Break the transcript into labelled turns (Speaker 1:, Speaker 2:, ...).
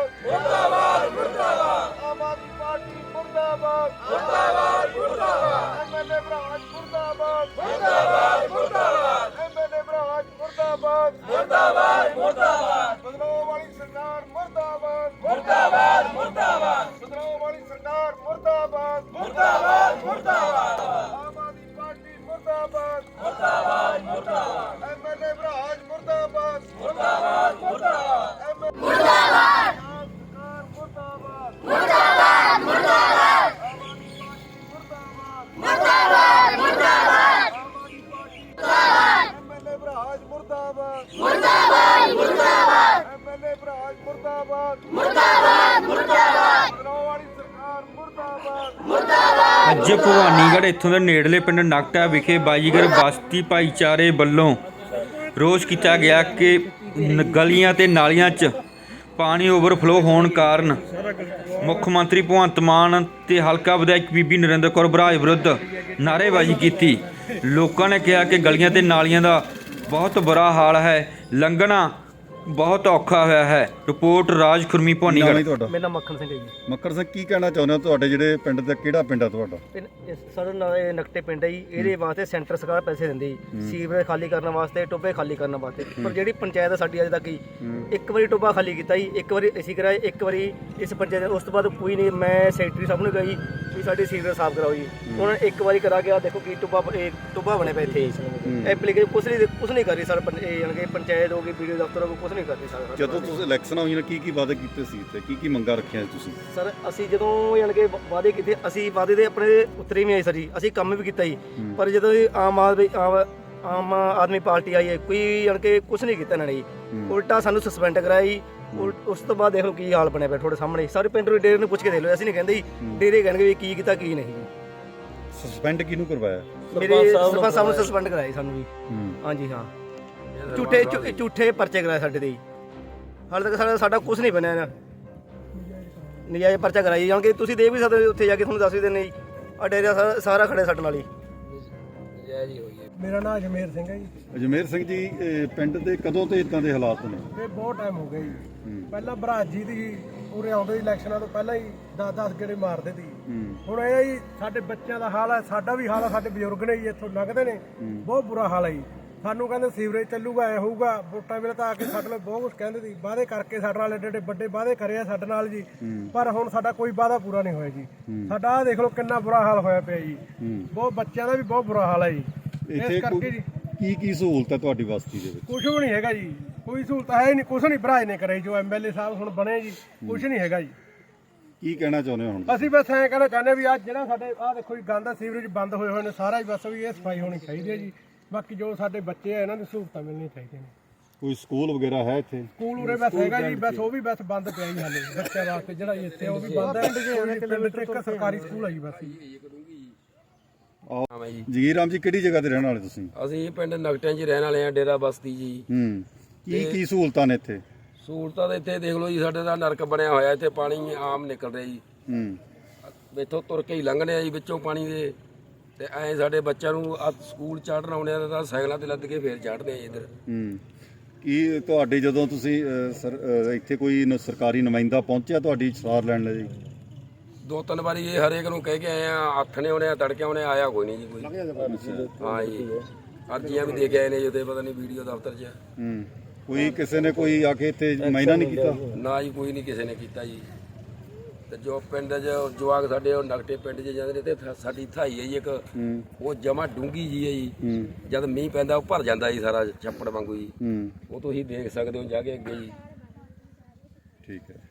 Speaker 1: मुर्दाबाद मुर्दाबाद आम आदमी पार्टी मुर्दाबाद मुर्दाबाद मुर्दाबाद एमएलए बराज मुर्दाबाद मुर्दाबाद मुर्दाबाद एमएलए बराज मुर्दाबाद मुर्दाबाद मुर्दाबाद बदलाव वाली सरकार मुर्दाबाद मुर्दाबाद मुर्दाबाद बदलाव वाली सरकार मुर्दाबाद मुर्दाबाद मुर्दाबाद आम आदमी पार्टी मुर्दाबाद मुर्दाबाद मुर्दाबाद एमएलए बराज मुर्दाबाद मुर्दाबाद मुर्दाबाद मुर्दाबाद मुर्दाबाद मुर्दाबाद मुर्दाबाद मुर्दाबाद एमएलए बराज मुर्दाबाद मुर्दाबाद मुर्दाबाद एमएलए बराज मुर्दाबाद मुर्दाबाद मुर्दाबाद वाली सरकार मुर्दाबाद मुर्दाबाद।
Speaker 2: ਅੱਜ ਭਵਾਨੀਗੜ੍ਹ ਇੱਥੋਂ ਦੇ ਨੇੜਲੇ ਪਿੰਡ ਨਕਟਾ ਵਿਖੇ ਬਾਜੀਗਰ ਬਸਤੀ ਭਾਈਚਾਰੇ ਵੱਲੋਂ ਰੋਸ ਕੀਤਾ ਗਿਆ ਕਿ ਗਲੀਆਂ ਤੇ ਨਾਲੀਆਂ 'ਚ ਪਾਣੀ ਓਵਰਫਲੋ ਹੋਣ ਕਾਰਨ ਮੁੱਖ ਮੰਤਰੀ ਭਗਵੰਤ ਮਾਨ ਤੇ ਹਲਕਾ ਵਿਧਾਇਕ ਬੀਬੀ ਨਰਿੰਦਰ ਕੌਰ ਬਰਾਜ ਵਿਰੁੱਧ ਨਾਅਰੇਬਾਜ਼ੀ ਕੀਤੀ। ਲੋਕਾਂ ਨੇ ਕਿਹਾ ਕਿ ਗਲੀਆਂ ਤੇ ਨਾਲੀਆਂ ਦਾ ਬਹੁਤ ਬੁਰਾ ਹਾਲ ਹੈ, ਲੰਘਣਾ ਬਹੁਤ ਔਖਾ ਹੋਇਆ ਹੈ। ਰਿਪੋਰਟ ਰਾਜ ਖੁਰਮੀ ਭਵਾਨੀਗੜ੍ਹ।
Speaker 3: ਤੁਹਾਡਾ
Speaker 4: ਮੇਰਾ ਨਾਮ ਮੱਖਣ ਸਿੰਘ ਹੈ ਜੀ।
Speaker 3: ਮੱਕੜ ਸਿੰਘ, ਕੀ ਕਹਿਣਾ ਚਾਹੁੰਦੇ ਹੋ? ਤੁਹਾਡੇ ਜਿਹੜੇ ਪਿੰਡ ਦਾ ਕਿਹੜਾ ਪਿੰਡ ਆ ਤੁਹਾਡਾ?
Speaker 4: ਸਾਡਾ ਨਾਂ ਇਹ ਨਕਟੇ ਪਿੰਡ ਹੈ ਜੀ। ਇਹਦੇ ਵਾਸਤੇ ਸੈਂਟਰ ਸਰਕਾਰ ਪੈਸੇ ਦਿੰਦੀ ਜੀ, ਸੀਵਰੇਜ ਖਾਲੀ ਕਰਨ ਵਾਸਤੇ, ਟੋਬੇ ਖਾਲੀ ਕਰਨ ਵਾਸਤੇ। ਪਰ ਜਿਹੜੀ ਪੰਚਾਇਤ ਸਾਡੀ ਅਜੇ ਤੱਕ ਹੀ ਇੱਕ ਵਾਰੀ ਟੋਬਾ ਖਾਲੀ ਕੀਤਾ ਜੀ, ਇੱਕ ਵਾਰੀ ਅਸੀਂ ਕਰਾਏ, ਇੱਕ ਵਾਰੀ ਇਸ ਪੰਚਾਇਤ, ਉਸ ਤੋਂ ਬਾਅਦ ਕੋਈ ਨਹੀਂ। ਮੈਂ ਸੈਕਟਰੀ ਸਾਹਿਬ ਨੂੰ ਗਈ ਵੀ ਸਾਡੀ ਸੀਵਰੇਜ ਸਾਫ਼ ਕਰਾਓ ਜੀ, ਉਹਨਾਂ ਨੇ ਇੱਕ ਵਾਰੀ ਕਰਾ ਗਿਆ। ਦੇਖੋ ਕੀ ਟੋਬਾ ਬਣੇ ਪਏ ਇੱਥੇ, ਐਪਲੀਕੇਸ਼ਨ ਕੁਛ ਨਹੀਂ ਕਰ ਰਹੀ ਸਰ। ਪੰਚਾਇਤ ਹੋ ਗਈ, ਵੀਡੀਓ ਦਫ਼ਤਰ ਹੋ ਗਈ, ਕੁਛ ਨਹੀਂ ਕਰ ਰਹੀ ਸਰ।
Speaker 3: ਜਦੋਂ ਤੁਸੀਂ ਇਲੈਕਸ਼ਨ ਹੋਈਆਂ ਕੀ ਵਾਅਦੇ ਕੀਤੇ ਸੀ ਤੇ ਕੀ ਮੰਗਾਂ ਰੱਖੀਆਂ ਤੁਸੀਂ?
Speaker 4: ਸਰ ਅਸੀਂ ਜਦੋਂ ਯਾਨੀ ਕਿ ਵਾਅਦੇ ਕੀਤੇ, ਅਸੀਂ ਵਾਅਦੇ ਦੇ ਆਪਣੇ ਉੱਤਰੇ ਵੀ ਆਏ ਸਰ ਜੀ, ਅਸੀਂ ਕੰਮ ਵੀ ਕੀਤਾ ਜੀ। ਪਰ ਜਦੋਂ ਆਮ ਆਦਮੀ ਪਾਰਟੀ ਆਈ ਹੈ, ਕੋਈ ਯਾਨੀ ਕਿ ਕੁਛ ਨਹੀਂ ਕੀਤਾ ਇਹਨਾਂ ਨੇ ਜੀ, ਉਲਟਾ ਸਾਨੂੰ ਸਸਪੈਂਡ ਕਰਾਇਆ ਜੀ। ਉਸ ਤੋਂ ਬਾਅਦ ਦੇਖ ਲਓ ਕੀ ਹਾਲ ਬਣਿਆ ਪਿਆ ਤੁਹਾਡੇ ਸਾਹਮਣੇ। ਸਾਰੇ ਪਿੰਡ ਦੇ ਡੇਰੇ ਨੂੰ ਪੁੱਛ ਕੇ ਦੇਖ ਲਓ, ਅਸੀਂ ਨਹੀਂ ਕਹਿੰਦੇ ਜੀ, ਡੇਰੇ ਕਹਿਣਗੇ ਵੀ ਕੀ ਕੀਤਾ ਕੀ ਨਹੀਂ ਜੀ।
Speaker 3: ਸਸਪੈਂਡ ਕਿਹਨੂੰ ਕਰਵਾਇਆ?
Speaker 4: ਮੇਰੇ ਸਰਪੰਚ ਸਾਹਿਬ ਨੂੰ ਸਸਪੈਂਡ ਕਰਾਇਆ ਸਾਨੂੰ ਜੀ। ਹਾਂਜੀ ਹਾਂ, ਝੂਠੇ ਪਰਚੇ ਕਰਾਏ ਸਾਡੇ ਤੇ ਜੀ। ਹਾਲੇ ਤੱਕ ਸਾਡਾ ਕੁਛ ਨਹੀਂ ਬਣਿਆ ਨਾ, ਨਜਾਇਜ਼ ਪਰਚਾ ਕਰਾਈ ਜਾਣ ਕੇ। ਤੁਸੀਂ ਦੇਖ ਵੀ ਸਕਦੇ ਉੱਥੇ ਜਾ ਕੇ, ਤੁਹਾਨੂੰ ਦੱਸ ਵੀ ਦਿੰਦੇ ਜੀ। ਆ ਡੇਰਾ ਸਾਰਾ ਖੜੇ ਸਾਡੇ ਨਾਲ ਹੀ।
Speaker 5: ਮੇਰਾ ਨਾਮ ਅਜਮੇਰ ਸਿੰਘ ਹੈ ਜੀ।
Speaker 3: ਅਜਮੇਰ ਸਿੰਘ ਜੀ, ਪਿੰਡ ਦੇ ਕਦੋਂ ਤੇ ਇਦਾਂ ਦੇ ਹਾਲਾਤ ਨੇ?
Speaker 5: ਇਹ ਬਹੁਤ ਟਾਈਮ ਹੋ ਗਿਆ ਜੀ। ਪਹਿਲਾਂ ਬਰਾਜ ਜੀ ਦੀ ਉਰੇ ਆਉਂਦੇ ਇਲੈਕਸ਼ਨਾਂ ਤੋਂ ਪਹਿਲਾਂ ਹੀ 10-10 ਗੇੜੇ ਮਾਰਦੇ ਸੀ। ਹੁਣ ਇਹ ਜੀ ਸਾਡੇ ਬੱਚਿਆਂ ਦਾ ਹਾਲ ਹੈ, ਸਾਡਾ ਵੀ ਹਾਲ ਹੈ, ਸਾਡੇ ਬਜ਼ੁਰਗ ਨੇ ਜੀ ਇੱਥੋਂ ਲੰਘਦੇ ਨੇ, ਬਹੁਤ ਬੁਰਾ ਹਾਲ ਹੈ ਜੀ। ਸਾਨੂੰ ਕਹਿੰਦੇ ਸੀਵਰੇਜ ਚੱਲੂਗਾ, ਐ ਹੋਊਗਾ। ਵੋਟਾਂ ਵੇਲੇ ਤਾਂ ਆ ਕੇ ਸਾਡੇ ਨਾਲ ਬਹੁਤ ਕੁਝ ਕਹਿੰਦੇ ਸੀ, ਵਾਅਦੇ ਕਰਕੇ ਸਾਡੇ ਨਾਲ ਏਡੇ ਵੱਡੇ ਵਾਅਦੇ ਕਰੇ ਆ ਸਾਡੇ ਨਾਲ ਜੀ। ਪਰ ਹੁਣ ਸਾਡਾ ਕੋਈ ਵਾਅਦਾ ਪੂਰਾ ਨਹੀਂ ਹੋਇਆ ਜੀ। ਸਾਡਾ ਆਹ ਦੇਖ ਲਓ ਕਿੰਨਾ ਬੁਰਾ ਹਾਲ ਹੋਇਆ ਪਿਆ ਜੀ। ਬਹੁਤ ਬੱਚਿਆਂ ਦਾ ਵੀ ਬਹੁਤ ਬੁਰਾ ਹਾਲ ਹੈ ਜੀ। ਇਸ ਕਰਕੇ ਜੀ
Speaker 3: ਕੀ ਸਹੂਲਤ ਹੈ ਤੁਹਾਡੀ ਬਸਤੀ ਦੇ ਵਿੱਚ?
Speaker 5: ਕੁਝ ਵੀ ਨਹੀਂ ਹੈਗਾ ਜੀ, ਕੋਈ ਸਹੂਲਤ ਹੈ ਨਹੀਂ, ਕੁਝ ਨਹੀਂ ਬਰਾਜ ਨੇ ਕਰਾਈ। ਜੋ ਐਮਐਲਏ ਸਾਹਿਬ ਹੁਣ ਬਣੇ ਜੀ, ਕੁਝ ਨਹੀਂ ਹੈਗਾ ਜੀ।
Speaker 3: ਕੀ ਕਹਿਣਾ ਚਾਹੁੰਦੇ ਹੋ ਹੁਣ?
Speaker 5: ਅਸੀਂ ਬਸ ਐਂ ਕਹਿਣਾ ਚਾਹੁੰਦੇ ਵੀ ਅੱਜ ਜਿਹੜਾ ਸਾਡੇ ਆਹ ਦੇਖੋ ਜੀ ਗੰਦਾ ਸੀਵਰੇਜ ਬੰਦ ਹੋਏ ਹੋਏ ਨੇ ਸਾਰਾ ਹੀ, ਬਸ ਵੀ ਇਹ ਸਫਾਈ ਹੋਣੀ ਚਾਹੀਦੀ ਹੈ ਜੀ। ਬਾਕੀ ਜੋ ਸਾਡੇ ਬੱਚੇ ਆ ਇਹਨਾਂ ਨੂੰ ਸਹੂਲਤਾਂ ਮਿਲਣੀਆਂ ਚਾਹੀਦੀਆਂ ਨੇ।
Speaker 3: ਕੋਈ ਸਕੂਲ ਵਗੈਰਾ ਹੈ ਇੱਥੇ?
Speaker 5: ਸਕੂਲ ਉਰੇ ਬਸ ਹੈਗਾ ਜੀ, ਬਸ ਉਹ ਵੀ ਬਸ ਬੰਦ ਪਿਆ ਜੀ ਹਾਲੇ ਬੱਚਿਆਂ ਵਾਸਤੇ। ਜਿਹੜਾ ਇੱਥੇ ਉਹ ਵੀ ਬੰਦ ਹੈ। ਪਿੰਡ 'ਚ ਇੱਕ ਸਰਕਾਰੀ ਸਕੂਲ ਆ ਜੀ ਬਸ।
Speaker 3: ਜਗੀਰ ਰਾਮ ਜੀ, ਕਿਹੜੀ ਜਗ੍ਹਾ ਤੇ ਰਹਿਣ ਵਾਲੇ ਤੁਸੀਂ?
Speaker 6: ਅਸੀਂ ਪਿੰਡ ਨਗਟਿਆਂ 'ਚ ਰਹਿਣ ਵਾਲੇ ਆ, ਡੇਰਾ ਬਸਤੀ ਜੀ।
Speaker 3: ਕੀ ਸਹੂਲਤਾਂ ਨੇ ਇੱਥੇ?
Speaker 6: ਸਹੂਲਤਾਂ ਤਾਂ ਇੱਥੇ ਦੇਖ ਲਓ ਜੀ, ਸਾਡੇ ਦਾ ਨਰਕ ਬਣਿਆ ਹੋਇਆ। ਇੱਥੇ ਪਾਣੀ ਆਮ ਨਿਕਲ ਰਿਹਾ ਜੀ, ਇੱਥੋਂ ਤੁਰ ਕੇ ਹੀ ਲੰਘਣੇ ਆ ਜੀ ਵਿੱਚੋਂ ਪਾਣੀ ਦੇ। ਤੇ ਐਂ ਸਾਡੇ ਬੱਚਿਆਂ ਨੂੰ ਸਕੂਲ ਚੜ੍ਹਨ ਆਉਣੇ ਆ ਤਾਂ ਸਾਈਕਲਾਂ ਤੇ ਲੱਦ ਕੇ ਫੇਰ ਚੜ੍ਹਦੇ ਆ ਇੱਧਰ।
Speaker 3: ਕੀ ਤੁਹਾਡੇ ਜਦੋਂ ਤੁਸੀਂ ਇੱਥੇ ਕੋਈ ਸਰਕਾਰੀ ਨੁਮਾਇੰਦਾ ਪਹੁੰਚਿਆ ਤੁਹਾਡੀ ਸਾਰ ਲੈਣ ਲਈ?
Speaker 6: 2-3 ਵਾਰੀ ਇਹ ਹਰੇਕ ਨੂੰ ਕਹਿ ਕੇ ਆਏ ਆ, ਹੱਥ ਨੇ ਆਉਣੇ ਆ, ਤੜਕੇ ਆਉਣੇ, ਆਇਆ ਕੋਈ ਨਹੀਂ ਜੀ ਕੋਈ। ਹਾਂ ਜੀ, ਅਰਜ਼ੀਆਂ ਵੀ ਦੇ ਕੇ ਆਏ ਨੇ ਜੀ, ਪਤਾ ਨਹੀਂ ਵੀਡੀਓ ਦਫ਼ਤਰ 'ਚ।
Speaker 3: ਕੋਈ ਕਿਸੇ ਨੇ ਕੋਈ ਆ ਕੇ ਇੱਥੇ ਮਾਇਨਾ ਨਹੀਂ ਕੀਤਾ?
Speaker 6: ਨਾ ਜੀ, ਕੋਈ ਨਹੀਂ ਕਿਸੇ ਨੇ ਕੀਤਾ ਜੀ। ਤੇ ਜੋ ਪਿੰਡ 'ਚ ਜਵਾਕ ਸਾਡੇ ਉਹ ਨਗਟੇ ਪਿੰਡ 'ਚ ਜਾਂਦੇ ਨੇ, ਤੇ ਸਾਡੀ ਥਾਈ ਹੈ ਜੀ ਇੱਕ, ਉਹ ਜਮਾ ਡੂੰਗੀ ਜੀ ਹੈ ਜੀ। ਜਦ ਮੀਂਹ ਪੈਂਦਾ ਉਹ ਭਰ ਜਾਂਦਾ ਜੀ ਸਾਰਾ, ਛੱਪੜ ਵਾਂਗੂ ਜੀ। ਉਹ ਤੁਸੀਂ ਦੇਖ ਸਕਦੇ ਹੋ ਜਾ ਕੇ ਅੱਗੇ ਜੀ।
Speaker 3: ਠੀਕ ਹੈ।